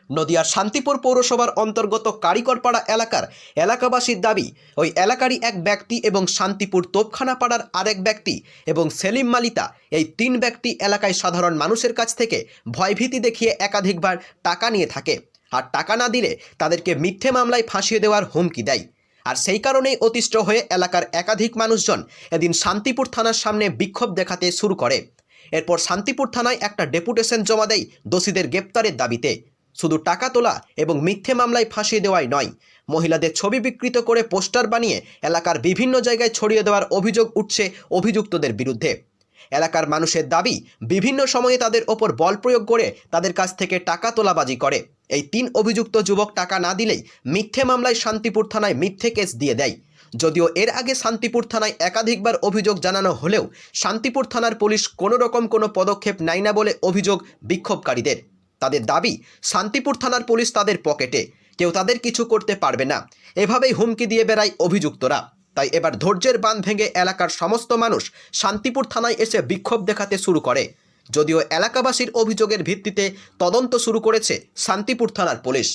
নদিয়ার শান্তিপুর পৌরসভার অন্তর্গত কারিকরপাড়া এলাকার এলাকাবাসীর দাবি, ওই এলাকারই এক ব্যক্তি এবং শান্তিপুর তোপখানা পাড়ার আরেক ব্যক্তি এবং সেলিম মালিতা, এই 3 ব্যক্তি এলাকায় সাধারণ মানুষের কাছ থেকে ভয়ভীতি দেখিয়ে একাধিকবার টাকা নিয়ে থাকে। আর টাকা না দিলে তাদেরকে মিথ্যে মামলায় ফাঁসিয়ে দেওয়ার হুমকি দেয়। আর সেই কারণেই অতিষ্ঠ হয়ে এলাকার একাধিক মানুষজন এদিন শান্তিপুর থানার সামনে বিক্ষোভ দেখাতে শুরু করে। এরপর শান্তিপুর থানায় একটা ডেপুটেশন জমা দেয় দোষীদের গ্রেপ্তারের দাবিতে। শুধু টাকা তোলা এবং মিথ্যে মামলায় ফাঁসিয়ে দেওয়াই নয়, মহিলাদের ছবি বিকৃত করে পোস্টার বানিয়ে এলাকার বিভিন্ন জায়গায় ছড়িয়ে দেওয়ার অভিযোগ উঠছে অভিযুক্তদের বিরুদ্ধে। এলাকার মানুষের দাবি, বিভিন্ন সময়ে তাদের ওপর বল প্রয়োগ করে তাদের কাছ থেকে টাকা তোলাবাজি করে। এই 3 অভিযুক্ত যুবক টাকা না দিলেই মিথ্যে মামলায় শান্তিপুর থানায় মিথ্যে কেস দিয়ে দেয়। যদিও এর আগে শান্তিপুর থানায় একাধিকবার অভিযোগ জানানো হলেও শান্তিপুর থানার পুলিশ কোনো রকম কোনো পদক্ষেপ নেয় না বলে অভিযোগ বিক্ষোভকারীদের। তাদের দাবি, শান্তিপুর থানার পুলিশ তাদের পকেটে, কেউ তাদের কিছু করতে পারবে না, এভাবেই হুমকি দিয়ে বেড়ায় অভিযুক্তরা। তাই এবার ধৈর্যের বাঁধ ভেঙে এলাকার সমস্ত মানুষ শান্তিপুর থানায় এসে বিক্ষোভ দেখাতে শুরু করে। যদিও এলাকাবাসীর অভিযোগের ভিত্তিতে তদন্ত শুরু করেছে শান্তিপুর থানার পুলিশ।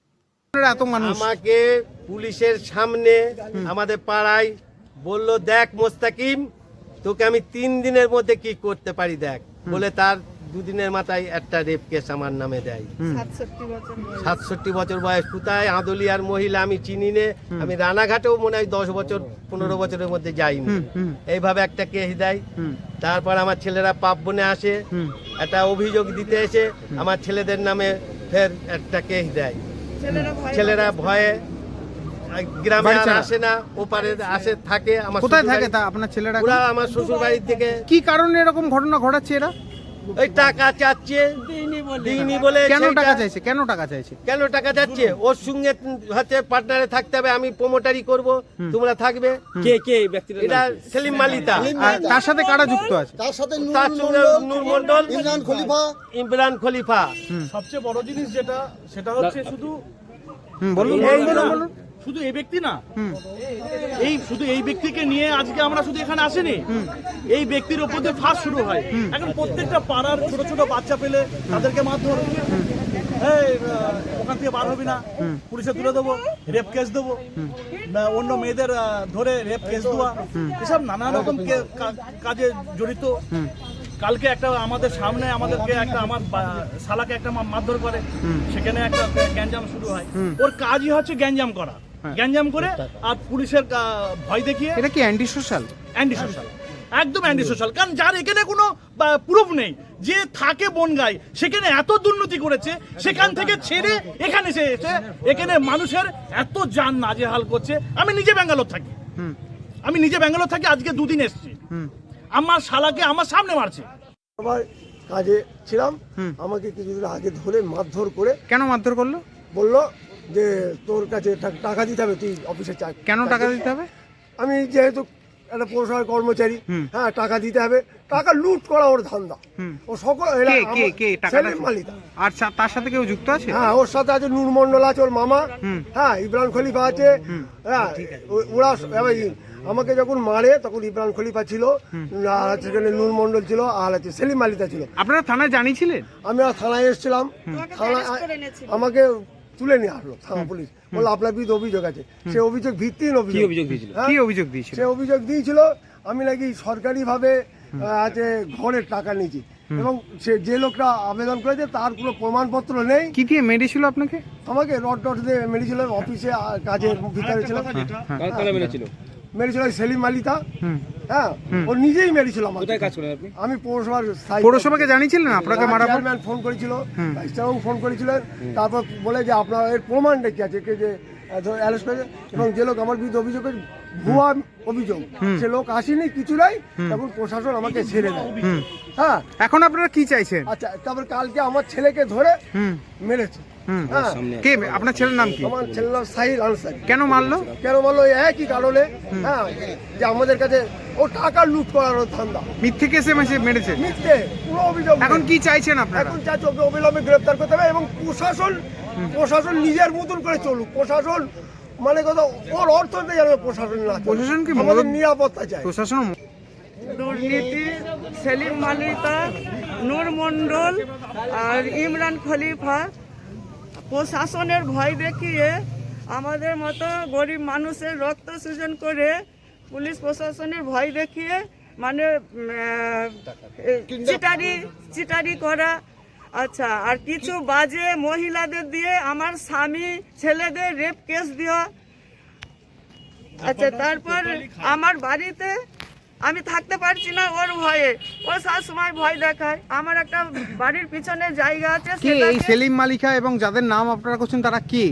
আমাকে পুলিশের সামনে আমাদের পাড়ায় বলল, দেখ মোস্তাকিম, তোকে আমি 3 দিনের মধ্যে কি করতে পারি দেখ, বলে তার 2 দিনের মাথায় একটা রেপ কেস আমার নামে দেয়। 67 বছর বয়স, কোথায় আদলিয়ার মহিলা আমি চিনি নে, আমি রানাঘাটেও মনে হয় 10 বছর 15 বছরের মধ্যে যাইনি। এইভাবে একটা কেস দেয়। তারপর আমার ছেলেরা পাপ বনে আসে, একটা অভিযোগ দিতে এসে আমার ছেলেদের নামে ফের একটা কেস দেয়। ছেলেরা ভয়ে গ্রামে আর আসে না, ওপারে আসে থাকে। আমার কোথায় থাকে তা আপনার ছেলেরা? ওরা আমার শ্বশুর বাড়ির থেকে। কি কারণে এরকম ঘটনা ঘটাচ্ছে এরা? ওই টাকা চাচ্ছে, দিইনি বলে। কেন টাকা চাইছে? কেন টাকা চাইছে? কেন টাকা চাচ্ছে? ওর সঙ্গে হচ্ছে পার্টনারে থাকতে হবে, আমি প্রমোটারি করব, তোমরা থাকবে। কে কে ব্যক্তিটা? এটা সেলিম মালিতা। আর তার সাথে কারা যুক্ত আছে? তার সাথে তার সঙ্গে নূর মন্ডল, ইমরান খলিফা। সবচেয়ে বড় জিনিস যেটা, সেটা হচ্ছে শুধু বলুন বলুন। শুধু এই ব্যক্তি না, শুধু এই ব্যক্তিকে নিয়ে আজকে আমরা শুধু এখানে আসিনি। এই ব্যক্তির ওপর দিয়ে ফাঁস শুরু হয়। এখন প্রত্যেকটা পাড়ার ছোট ছোট বাচ্চা পেলে তাদেরকে মারধর, ওখান থেকে বার হবি না, পুলিশে তুলে দেবো, রেপ কেস দেবো, অন্য মেয়েদের ধরে রেপ কেস দেওয়া, এসব নানা রকম কাজে জড়িত। কালকে একটা আমাদের সামনে আমাদেরকে একটা আমার শালাকে একটা মারধর করে, সেখানে একটা গ্যাঞ্জাম শুরু হয়। ওর কাজই হচ্ছে গ্যাঞ্জাম করা, গ্যাঞ্জাম করে আর পুলিশের ভয় দেখিয়ে। এটা কি অ্যান্টি সোশ্যাল? অ্যান্টি সোশ্যাল, একদম অ্যান্টি সোশ্যাল। কারণ যার এখানে কোনো প্রুফ নেই, যে থাকে বনগাঁয়, সেখানে এত দুর্নীতি করেছে, সেখান থেকে ছেড়ে এখানে এসে এখানে মানুষের এত জান নাজেহাল করছে। আমি নিজে ব্যাঙ্গালোর থাকি, আজকে 2 দিন এসেছি। আমার শালাকে আমার সামনে মারছে। আমার কাজে ছিলাম, আমাকে কিছুদিন আগে ধরে মারধর করে। কেন মারধর করলো? বললো যে তোর কাছে টাকা দিতে হবে, তুই অফিসে চাই। কেন টাকা দিতে হবে? আমি যেহেতু একটা পৌরসভার কর্মচারী, হ্যাঁ টাকা দিতে হবে। টাকা লুট করা ওর ধান্দা। ও সকল সেলিম মালিতা। আর তার সাথে কেউ যুক্ত আছে? হ্যাঁ, ওর সাথে আছে নূর মন্ডল আছে, ওর মামা, হ্যাঁ ইমরান খলিফা আছে। হ্যাঁ, ওরা আমাকে যখন মারে তখন ইমরান খলিফা ছিল, আর সেখানে নূর মন্ডল ছিল, আর আছে সেলিম মালিতা ছিল। আপনারা থানায় জানিয়েছিলেন? আমি আর থানায় এসেছিলাম, থানায় আমাকে তুলে নিয়ে আসলো থানা পুলিশ, বললো আপনার বিরুদ্ধে অভিযোগ আছে। সে অভিযোগ ভিত্তিহীন অভিযোগ দিয়েছিল। কি অভিযোগ দিয়েছিল? সে অভিযোগ দিয়েছিল আমি নাকি সরকারিভাবে আছে ঘরের টাকা নিয়েছি, এবং সে যে লোকটা আবেদন করেছে তার কোনো প্রমাণপত্র নেই। কি দিয়ে মেরেছিল আপনাকে? আমাকে রড দিয়ে মেরেছিল, অফিসে কাজের ভিতরে ছিলাম। মেরেছিল সেলিম মালিতা। হ্যাঁ, ও নিজেই মেরেছিল আমাকে। আমি পৌরসভাকে জানিয়েছিলেন আপনাকে মারা? চেয়ারম্যান ফোন করেছিল, ভাইস চেয়ারম্যান ফোন করেছিলেন। তারপর বলে যে আপনার এর প্রমাণটা কি আছে, কে যে অ্যারেস্ট করেছে, এবং যে লোক আমার বিরুদ্ধে অভিযোগ ভুয়া অভিযোগ, সে লোক আসেনি, কিছু নাই। তখন প্রশাসন আমাকে ছেড়ে দেয়। হ্যাঁ, এখন আপনারা কি চাইছেন? আচ্ছা, তারপর কালকে আমার ছেলেকে ধরে মেরেছে। কে আপনার ছেলের নাম কি? আমার ছেলের নাম সাহিল আনসারি। কেন মারলো? একই কারণে, হ্যাঁ, যে আমাদের কাছে ও টাকা লুট করার ধান্দা। মিথ্যে কেসে মেরেছে? মিথ্যে, কোনো অভিযোগ। এখন কি চাইছেন আপনারা? এখন চাইছি ওকে অবিলম্বে গ্রেফতার করতে হবে, এবং প্রশাসন নিজের মতন করে চলুক। প্রশাসন মানে কথা, ওর অর্থনীতি যেন প্রশাসন না, প্রশাসন কি আমাদের নিরাপত্তা চাই। প্রশাসন দুর্নীতি, সেলিম মালিতা, নূর মন্ডল আর ইমরান খলিফা প্রশাসনের ভয় দেখিয়ে আমাদের মতো গরিব মানুষের রক্ত সৃজন করে পুলিশ প্রশাসনের ভয় দেখিয়ে মানে চিটারি করা। আচ্ছা, আর কিছু বাজে মহিলাদের দিয়ে আমার স্বামী ছেলেদের রেপ কেস দেওয়া। আচ্ছা, তারপর আমার বাড়িতে আমি থাকতে পারছি না ওর ভয়ে, ও সবসময় ভয় দেখায়। আমার একটা বাড়ির পিছনে জায়গা আছে, কে এই সেটাকে- সেলিম মালিকা এবং যাদের নাম আপনারা করছেন তারা কে?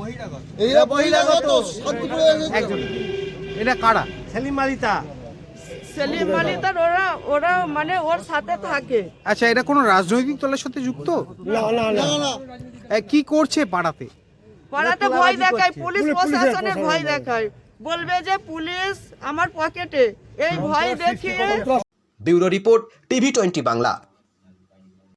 একজন, এটা কারা? সেলিম মালিতা সেলিম মালিতার ওরা মানে ওর সাথে থাকে। আচ্ছা, এটা কোনো রাজনৈতিক দলের সাথে যুক্ত? কি করছে পাড়াতে? পাড়াতে ভয় দেখায়, পুলিশ প্রশাসনের ভয় দেখায়, বলবে যে পুলিশ আমার পকেটে, এই ভয় দেখিয়ে। Bureau report, TV20 Bangla.